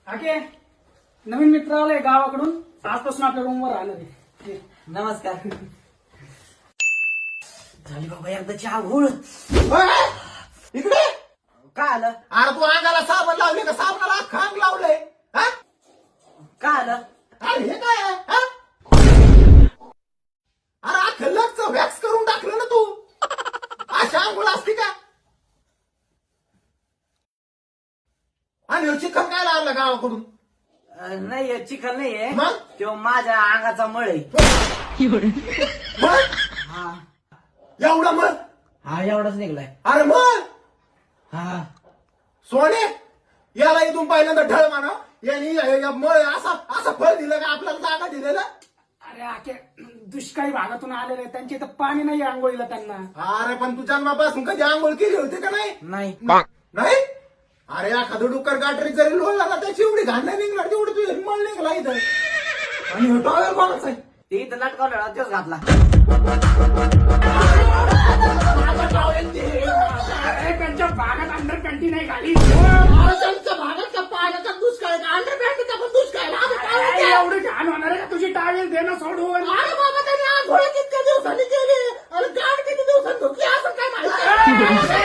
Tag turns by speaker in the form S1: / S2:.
S1: हाके नवीन मित्र आले गावाकडून आजपासून आपल्या रूमवर राहणार आहे.
S2: नमस्कार. झाली बाबा एकदाची आघोळ.
S3: इकडे
S2: काय आलं?
S3: अरे तू अंगाला साबण लावले का साबणाला खांग लावलंय हा?
S2: काय आलं?
S3: अरे हे काय आहे, हा? अरे अख्खं लक्ष वॅक्स करून टाकलं ना तू. अशा आंघोळ असते का? आणि चिकन काय लावलं गावाकडून?
S2: नाही चिखल नाहीये.
S3: मग?
S2: तो माझ्या अंगाचा मळ आहे.
S3: मग
S2: हा
S3: एवढं मग
S2: हा एवढाच निघलाय.
S3: अरे मग
S2: हा
S3: सोने याला इथून पहिल्यांदा ढळ म्हणा. यांनी मळ असं फळ दिलं का आपल्याला जागा दिलेलं.
S1: अरे हाके दुष्काळी भागातून आलेले आहेत. त्यांच्या इथं पाणी नाही आंघोळीला त्यांना.
S3: अरे पण तू जन्मापासून कधी आंघोळ केली होती का नाही?
S2: नाही.
S3: नाही. अरे एखादं डुक्कर गाठरी जरी लोळला ना त्याची एवढी घाण नाही निघणार तेवढी तू मळ निघला इथं. आणि टॉवेल कोणाच आहे?
S2: ते इथं लटकावला तेच घातला.
S1: अरे त्यांच्या भागात अंडर पॅन्टी नाही घाली.
S3: त्यांच्या भागात पाण्याचा दुष्काळ अंडर पॅन्टचा पण दुष्काळ.
S1: अरे, एवढी घाण होणार आहे का तुझी टावेल देणं सोडून.
S3: अरे बाबा त्यांनी आंघोळ कितक्या दिवसांनी केली आणि गाड किती दिवसांनी धुतली असं काय माहिती.